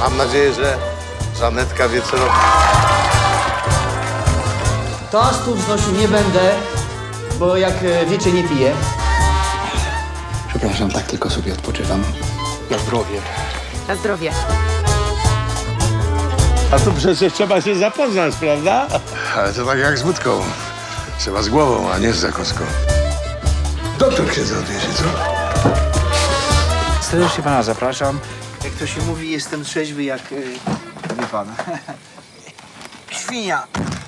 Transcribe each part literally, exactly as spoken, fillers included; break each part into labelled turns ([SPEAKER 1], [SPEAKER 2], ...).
[SPEAKER 1] Mam nadzieję, że Żanetka wie, co robi.
[SPEAKER 2] Toastów znosił nie będę, bo jak e, wiecie, nie piję.
[SPEAKER 3] Przepraszam, tak tylko sobie odpoczywam.
[SPEAKER 1] Na zdrowie.
[SPEAKER 4] Na zdrowie.
[SPEAKER 5] A tu przecież trzeba się zapoznać, prawda?
[SPEAKER 1] Ale to tak jak z wódką. Trzeba z głową, a nie z zakąską. Doktor księdza odwiezie, co?
[SPEAKER 3] Serdecznie pana zapraszam.
[SPEAKER 2] Jak to się mówi, jestem trzeźwy jak... Yy, wie pan. Świnia.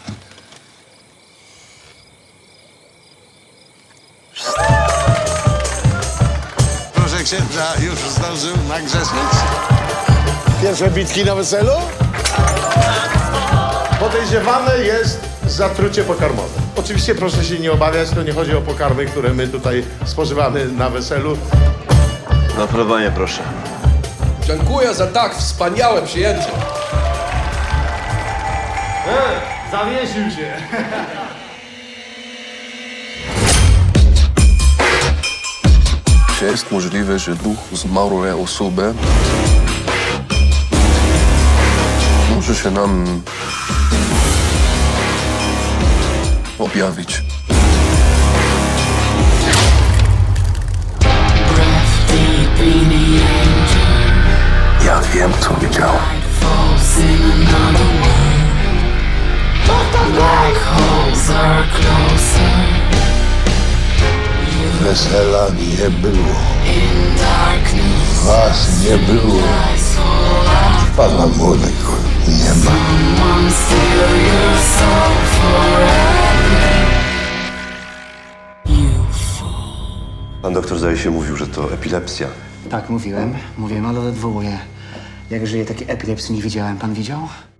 [SPEAKER 1] Proszę księdza, już zdążył nagrzeszyć? Pierwsze bitki na weselu?
[SPEAKER 6] Podejrzewane jest zatrucie pokarmowe. Oczywiście proszę się nie obawiać, to nie chodzi o pokarmy, które my tutaj spożywamy na weselu.
[SPEAKER 7] Na polowanie, proszę.
[SPEAKER 8] Dziękuję za tak wspaniałe przyjęcie.
[SPEAKER 6] Zawiesił się.
[SPEAKER 9] Czy jest możliwe, że duch zmarłej osoby może się nam objawić? Ja wiem, co widziałem.
[SPEAKER 1] Wesela nie było. Was nie było. Pana młodego nie ma.
[SPEAKER 7] Pan doktor zdaje się mówił, że to epilepsja.
[SPEAKER 3] Tak, mówiłem. Mówiłem, ale odwołuję. Jak żyje takiej epilepsji nie widziałem. Pan widział?